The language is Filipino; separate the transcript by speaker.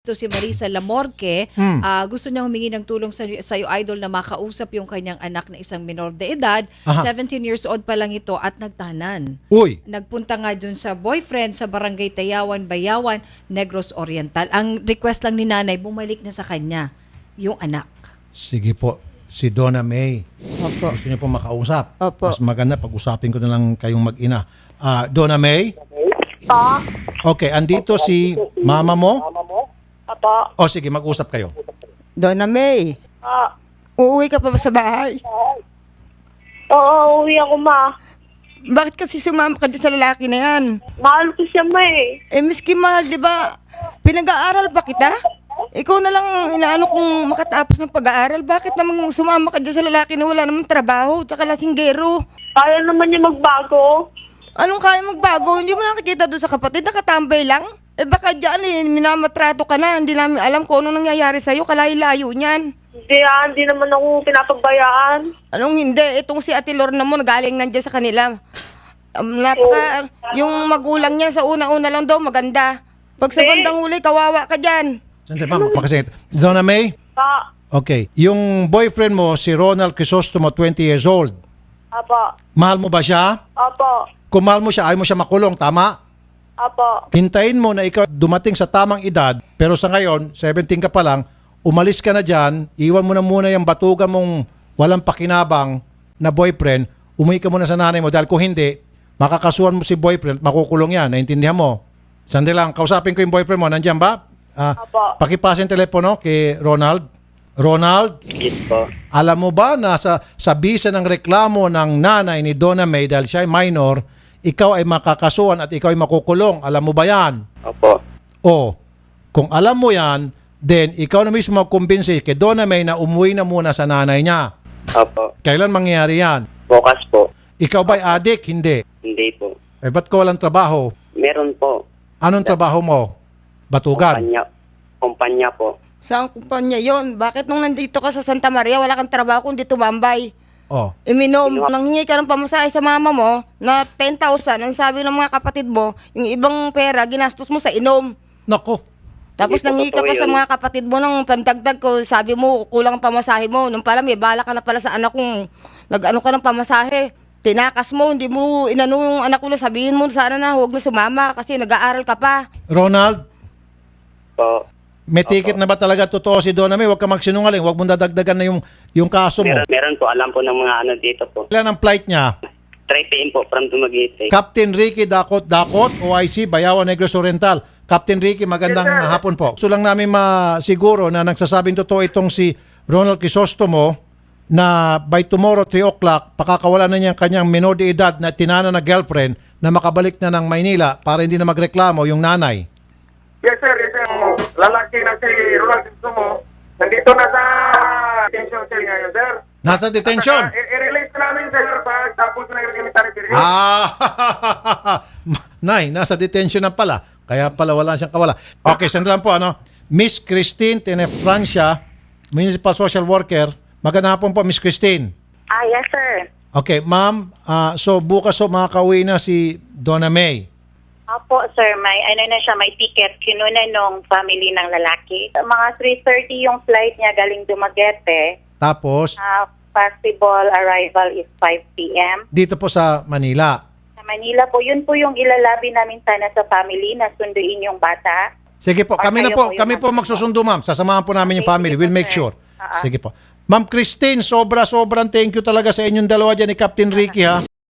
Speaker 1: Ito si Marisa Lamorque, gusto niya humingi ng tulong sa iyo, idol, na makausap yung kanyang anak na isang minor de edad.
Speaker 2: Aha.
Speaker 1: 17 years old pa lang ito at nagtanan.
Speaker 2: Uy,
Speaker 1: Nagpunta nga dun sa boyfriend sa barangay Tayawan, Bayawan, Negros Oriental. Ang request lang ni nanay, bumalik na sa kanya yung anak.
Speaker 2: sige po. Si Donna May.
Speaker 3: Opo.
Speaker 2: Gusto niyo po makausap.
Speaker 3: Opo.
Speaker 2: Mas maganda pag-usapin ko na lang kayong mag-ina. Donna May?
Speaker 4: Pa?
Speaker 2: Okay, andito si mama mo?
Speaker 4: Apa?
Speaker 2: O sige, mag-usap kayo.
Speaker 3: Donna May,
Speaker 4: Pa?
Speaker 3: uuwi ka pa ba sa bahay?
Speaker 4: Oo, uwi ako, ma.
Speaker 3: Bakit kasi sumama ka dyan sa lalaki na yan?
Speaker 4: Mahal ko siya, ma eh.
Speaker 3: Miski mahal, di ba? Pinag-aaral ba kita? Ikaw na lang inaano kung makatapos ng pag-aaral. Bakit namang sumama ka dyan sa lalaki na wala namang trabaho, tsaka lasinggero?
Speaker 4: Kaya naman niya magbago.
Speaker 3: Anong kaya magbago? Hindi mo nakikita doon sa kapatid, nakatambay lang? Baka dyan minamatrato ka na, hindi namin alam kung anong nangyayari sa'yo, kalayo-layo niyan.
Speaker 4: Hindi naman ako pinapagbayaan.
Speaker 3: Anong hindi? Itong si Ate Lorna mo, galing nandiyan sa kanila. Yung magulang niya sa una-una lang daw, maganda. Pag sa bandang huli, kawawa ka dyan.
Speaker 2: Sandali pa, magpakasingit. Donna May?
Speaker 4: Pa?
Speaker 2: Okay. Yung boyfriend mo, si Ronald Crisostomo, 20 years old.
Speaker 4: Apa?
Speaker 2: Mahal mo ba siya?
Speaker 4: Apa?
Speaker 2: Kung mahal mo siya, ayaw mo siya makulong, tama?
Speaker 4: Apa?
Speaker 2: Hintayin mo na ikaw dumating sa tamang edad, pero sa ngayon, 17 ka pa lang, umalis ka na dyan, iwan mo na muna yung batugan mong walang pakinabang na boyfriend, umuwi ka muna sa nanay mo dahil kung hindi, makakasuhan mo si boyfriend, makukulong yan, naintindihan mo? Sandali lang, kausapin ko yung boyfriend mo, nandiyan ba?
Speaker 4: Apo.
Speaker 2: Pakipasa yung telepono kay Ronald. Ronald,
Speaker 5: Yes po.
Speaker 2: alam mo ba na sa bisa ng reklamo ng nanay ni Donna May dahil siya ay minor, ikaw ay makakasuhan at ikaw ay makukulong. Alam mo ba yan?
Speaker 5: Opo.
Speaker 2: O, kung alam mo yan, then ikaw na mismo magkumbinsi kay Donna May na umuwi na muna sa nanay niya.
Speaker 5: Opo.
Speaker 2: Kailan mangyayari yan?
Speaker 5: Bukas po.
Speaker 2: Ikaw ba'y adik? Hindi.
Speaker 5: Hindi po.
Speaker 2: Eh, ba't ka walang trabaho?
Speaker 5: Meron po.
Speaker 2: Anong trabaho mo? Batugan?
Speaker 5: Kumpanya po.
Speaker 3: Saan kumpanya yon? Bakit nung nandito ka sa Santa Maria, wala kang trabaho kundi tumambay?
Speaker 2: Oh.
Speaker 3: Iminom, nanghingi ka ng pamasahe sa mama mo na 10,000. Ang sabi ng mga kapatid mo, yung ibang pera, ginastos mo sa inom.
Speaker 2: Nako.
Speaker 3: Tapos
Speaker 5: Hindi po
Speaker 3: nanghingi ka
Speaker 5: totoo
Speaker 3: pa sa
Speaker 5: yun.
Speaker 3: mga kapatid mo ng pandagdag ko. Sabi mo, kulang ang pamasahe mo. Nung pala, may bala ka na pala sa anak kong nag-ano ka ng pamasahe. Tinakas mo, hindi mo inano yung anak ko na sabihin mo, sana na huwag na sumama kasi nag-aaral ka pa.
Speaker 2: Ronald,
Speaker 5: Po.
Speaker 2: may ticket na ba talaga totoo si Donna May? Huwag ka magsinungaling. Huwag mong dadagdagan na yung kaso mo.
Speaker 5: Meron po. Alam po ng mga ano dito po.
Speaker 2: Ilan ang flight niya?
Speaker 5: 3 p.m. po from Dumaguete.
Speaker 2: Captain Ricky Dakot, OIC, Bayawan, Negros Oriental. Captain Ricky, magandang hapon po. Gusto lang namin masiguro na nagsasabing totoo itong si Ronald Crisostomo na by tomorrow 3 o'clock, pakakawala na niya ang kanyang minor de edad na tinana na girlfriend na makabalik na ng Maynila para hindi na magreklamo yung nanay.
Speaker 6: Yes sir, yes sir. Lalaki na si Ronald Crisostomo. Nandito na sa detention cell ngayon sir.
Speaker 2: Nasa detention?
Speaker 6: I-release namin sir pag tapos na yung military period.
Speaker 2: Nay, nasa detention na pala. Kaya pala wala siyang kawala. Okay, sandali lang po. Miss Christine Tenefrancia, Municipal Social Worker. Magandang hapon po, Miss Christine.
Speaker 4: Yes, sir.
Speaker 2: Okay, ma'am. So bukas makakauwi na si Donna May.
Speaker 7: Opo, sir. May ticket. Kinuna nung family ng lalaki. Mga 3:30 yung flight niya galing Dumaguete.
Speaker 2: Tapos,
Speaker 7: Possible arrival is 5 p.m.
Speaker 2: dito po sa Manila.
Speaker 7: Sa Manila po, yun po yung ilalabi namin sana sa family na sunduin yung bata.
Speaker 2: Sige po,
Speaker 7: Or
Speaker 2: kami
Speaker 7: kayo
Speaker 2: na po
Speaker 7: yung
Speaker 2: magsusundo, ma'am. Sasamahan po namin yung
Speaker 7: Okay,
Speaker 2: family.
Speaker 7: sige
Speaker 2: We'll
Speaker 7: po,
Speaker 2: make
Speaker 7: sir.
Speaker 2: sure. Sige po. Ma'am Christine, sobrang thank you talaga sa inyong dalawa dyan ni Captain Ricky, ha.